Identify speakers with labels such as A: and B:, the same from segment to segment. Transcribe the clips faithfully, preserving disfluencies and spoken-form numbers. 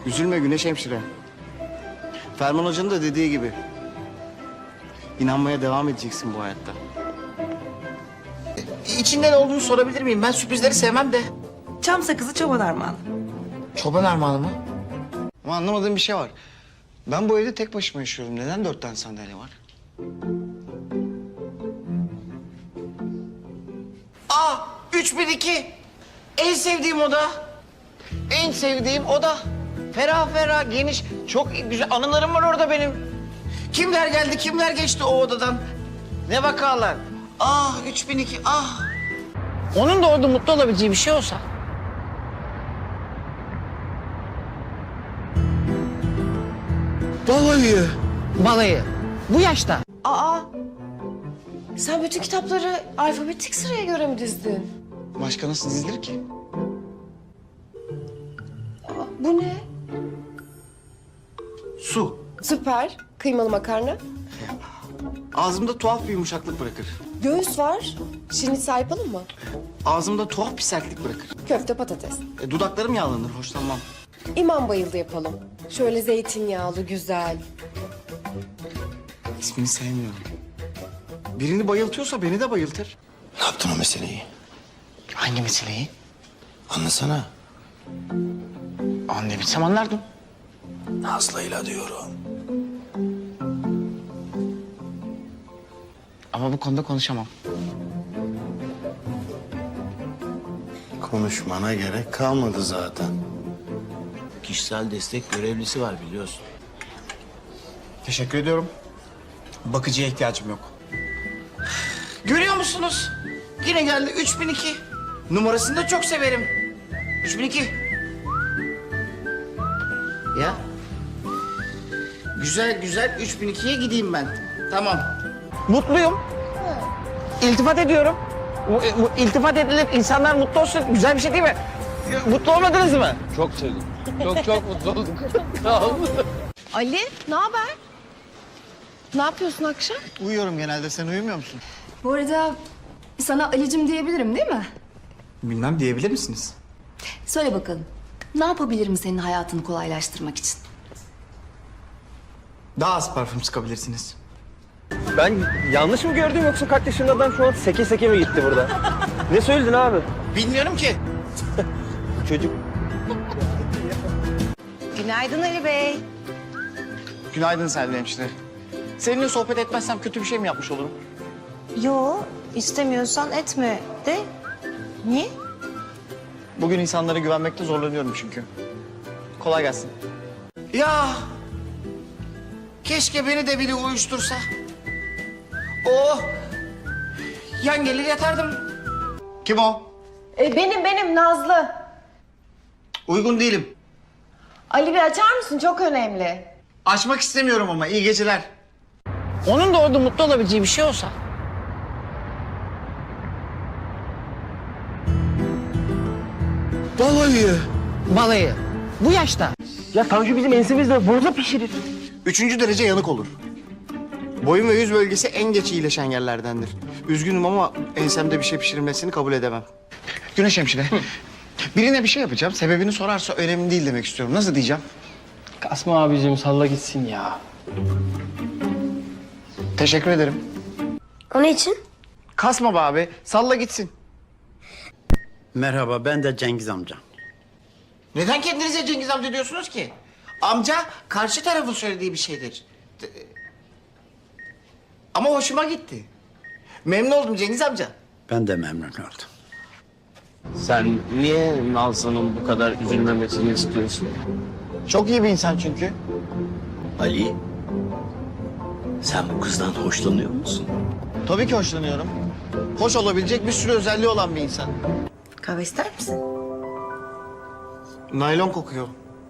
A: Üzülme Güneş hemşire. Ferman Hoca'nın da dediği gibi. İnanmaya devam edeceksin bu hayatta. İçinde ne olduğunu sorabilir miyim? Ben sürprizleri sevmem de.
B: Çam sakızı çoban armağanı.
A: Çoban armağanı mı? Ama anlamadığım bir şey var. Ben bu evde tek başıma yaşıyorum. Neden dört tane sandalye var? Aa, üç bin iki. En sevdiğim oda. En sevdiğim oda. Ferah ferah, geniş. Çok güzel anılarım var orada benim. Kimler geldi, kimler geçti o odadan. Ne vakalar. Ah, üç bin iki, ah. Onun da orada mutlu olabileceği bir şey olsa. Balayı. Balayı. Bu yaşta.
C: Aa, sen bütün kitapları alfabetik sıraya göre mi dizdin?
A: Başka nasıl dizilir ki?
C: Aa, bu ne?
A: Su.
C: Süper. Kıymalı makarna.
A: Ağzımda tuhaf bir yumuşaklık bırakır.
C: Göğüs var. Şirinitsel yapalım mı?
A: Ağzımda tuhaf bir sertlik bırakır.
C: Köfte patates.
A: E, dudaklarım yağlanır, hoşlanmam.
C: İmam bayıldı yapalım. Şöyle zeytinyağlı, güzel.
A: İsmini sevmiyorum. Birini bayıltıyorsa beni de bayıltır.
D: Ne yaptın o meseleyi?
A: Hangi meseleyi?
D: Anlasana.
A: Anlayabilsem anlardım.
D: Nazlı'yla diyorum.
A: Ama bu konuda konuşamam.
D: Konuşmana gerek kalmadı zaten. Kişisel destek görevlisi var biliyorsun.
A: Teşekkür ediyorum. Bakıcıya ihtiyacım yok. Görüyor musunuz? Yine geldi üç bin iki. Numarasını da çok severim. üç bin iki. Ya. Güzel güzel üç bin ikiye gideyim ben. Tamam. Mutluyum. İltifat ediyorum. Bu, bu iltifat edilir, insanlar mutlu olsun. Güzel bir şey değil mi? Mutlu olmadınız mı?
E: Çok sevdim. Çok çok mutlu oldum. Sağ olun.
C: Ali, ne haber? Ne yapıyorsun akşam?
A: Uyuyorum genelde. Sen uyumuyor musun?
F: Bu arada sana Ali'cim diyebilirim değil mi?
A: Bilmem, diyebilir misiniz?
F: Söyle bakalım. Ne yapabilirim senin hayatını kolaylaştırmak için?
A: Daha az parfüm sıkabilirsiniz.
E: Ben yanlış mı gördüm yoksa kaç yaşında adam şu an seke seke mi gitti burada? Ne söyledin abi?
A: Bilmiyorum ki.
E: Çocuk.
B: Günaydın Ali Bey.
A: Günaydın Selvi hemşire. Seninle sohbet etmezsem kötü bir şey mi yapmış olurum?
B: Yo, istemiyorsan etme de. Niye?
A: Bugün insanlara güvenmekte zorlanıyorum çünkü. Kolay gelsin. Ya keşke beni de biri uyuştursa. Oh! Yan gelir yatardım. Kim o?
C: E, benim, benim Nazlı.
A: Uygun değilim.
C: Ali bir açar mısın? Çok önemli.
A: Açmak istemiyorum ama iyi geceler. Onun da orada mutlu olabileceği bir şey olsa. Balayı. Balayı. Bu yaşta.
E: Ya Tanju bizim ensemizde burada pişirir.
A: Üçüncü derece yanık olur. Boyun ve yüz bölgesi en geç iyileşen yerlerdendir. Üzgünüm ama ensemde bir şey pişirilmesini kabul edemem. Güneş hemşire. Birine bir şey yapacağım. Sebebini sorarsa önemli değil demek istiyorum. Nasıl diyeceğim?
E: Kasma abicim salla gitsin ya.
A: Teşekkür ederim.
C: O ne için?
A: Kasma be abi. Salla gitsin.
G: Merhaba, ben de Cengiz amca.
A: Neden kendinize Cengiz amca diyorsunuz ki? Amca karşı tarafın söylediği bir şeydir. Ama hoşuma gitti. Memnun oldum Cengiz amca.
G: Ben de memnun oldum.
E: Sen niye Nazlı'nın bu kadar üzülmemesini istiyorsun?
A: Çok iyi bir insan çünkü.
D: Ali, sen bu kızdan hoşlanıyor musun?
A: Tabii ki hoşlanıyorum. Hoş olabilecek bir sürü özelliği olan bir insan.
B: Kahve ister misin?
A: Naylon kokuyor.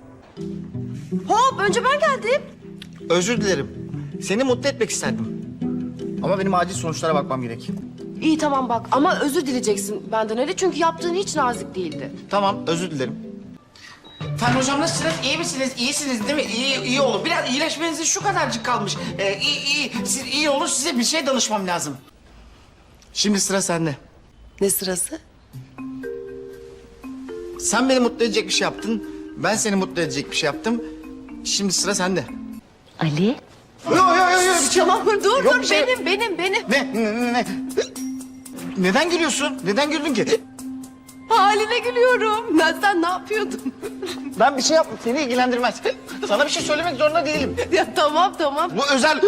C: Hop, önce ben geldim.
A: Özür dilerim. Seni mutlu etmek isterdim. Ama benim acil sonuçlara bakmam gerek.
C: İyi tamam bak ama özür dileyeceksin benden Ali çünkü yaptığın hiç nazik değildi.
A: Tamam, özür dilerim. Fen hocam nasılsınız? İyi misiniz? İyisiniz değil mi? İyi, iyi olun. Biraz iyileşmenize şu kadarcık kalmış. Ee, iyi, iyi. Siz iyi olun, size bir şey danışmam lazım. Şimdi sıra sende.
C: Ne sırası?
A: Sen beni mutlu edecek bir şey yaptın. Ben seni mutlu edecek bir şey yaptım. Şimdi sıra sende.
F: Ali?
A: Yok yok yok yok bir şey
C: Tamam dur
A: Yok
C: dur
A: bir şey-
C: benim benim benim.
A: Ne, ne, ne, ne? Neden gülüyorsun? Neden güldün ki?
C: Haline gülüyorum. Ben sen ne yapıyordun?
A: Ben bir şey yaptım. Seni ilgilendirmez. Sana bir şey söylemek zorunda değilim.
C: Ya tamam tamam.
A: Bu özel...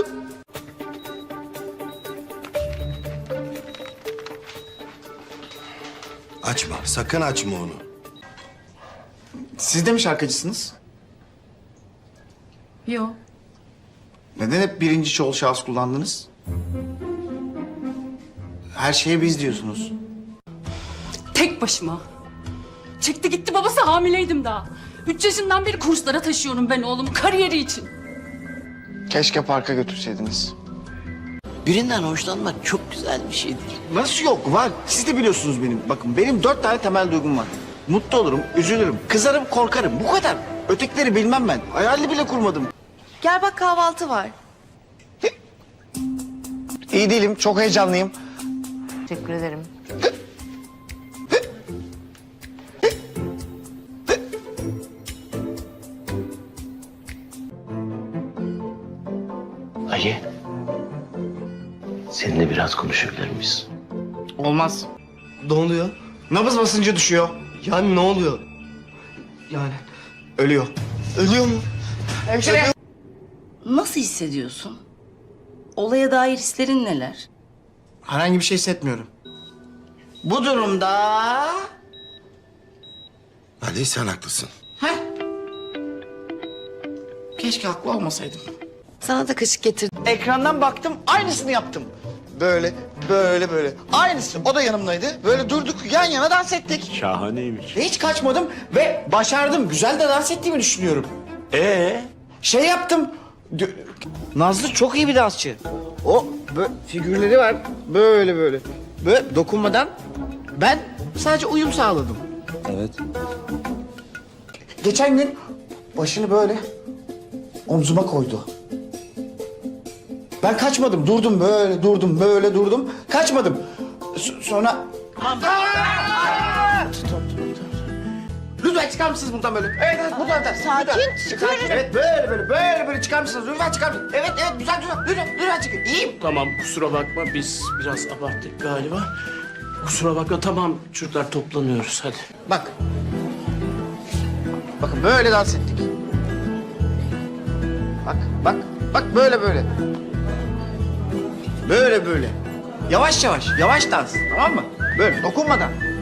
H: Açma, sakın açma onu.
A: Siz de mi şarkıcısınız?
C: Yok.
A: Neden hep birinci çoğul şahıs kullandınız? Her şeye biz diyorsunuz.
I: Tek başıma. Çıktı gitti babası hamileydim daha. Üç yaşından beri kurslara taşıyorum ben oğlumu kariyeri için.
A: Keşke parka götürseydiniz.
D: Birinden hoşlanmak çok güzel bir şeydir.
A: Nasıl yok? Var. Siz de biliyorsunuz benim. Bakın benim dört tane temel duygum var. Mutlu olurum, üzülürüm, kızarım, korkarım. Bu kadar. Ötekileri bilmem ben. Hayalini bile kurmadım.
C: Gel bak kahvaltı var.
A: İyi değilim, çok heyecanlıyım.
B: Teşekkür ederim.
D: Ali. Seninle biraz konuşabilir miyiz?
A: Olmaz.
E: Ne oluyor?
A: Nabız basıncı düşüyor.
E: Yani ne oluyor? Yani
A: Ölüyor.
E: ölüyor mu?
A: Hemşire.
I: Nasıl hissediyorsun? Olaya dair hislerin neler?
A: Herhangi bir şey hissetmiyorum.
B: Bu durumda...
H: Ali sen haklısın.
A: Heh. Keşke haklı olmasaydım.
C: Sana da kaşık getirdim.
A: Ekrandan baktım, aynısını yaptım. Böyle, böyle, böyle. Aynısı. O da yanımdaydı. Böyle durduk, yan yana dans ettik.
G: Şahaneymiş.
A: Hiç kaçmadım ve başardım. Güzel de dans ettiğimi düşünüyorum.
G: Ee?
A: Şey yaptım. Dö- Nazlı çok iyi bir dansçı. O böyle figürleri var. Böyle böyle. Böyle dokunmadan ben sadece uyum sağladım.
G: Evet.
A: Geçen gün başını böyle omzuma koydu. Ben kaçmadım. Durdum böyle, durdum böyle, durdum. Kaçmadım. S- sonra... Aa! Lütfen çıkar mısınız buradan böyle? Evet, evet, buradan da. Sakin, çıkar. Evet, böyle böyle, böyle böyle çıkar mısınız? Lütfen çıkar mısınız? Evet, evet, güzel, güzel. Lütfen, lütfen çıkın. İyiyim.
D: Tamam kusura bakma biz biraz abarttık galiba. Kusura bakma tamam çocuklar toplanıyoruz hadi.
A: Bak. Bakın böyle dans ettik. Bak, bak, bak böyle böyle. Böyle böyle. Yavaş yavaş, yavaş dans, tamam mı? Böyle dokunmadan.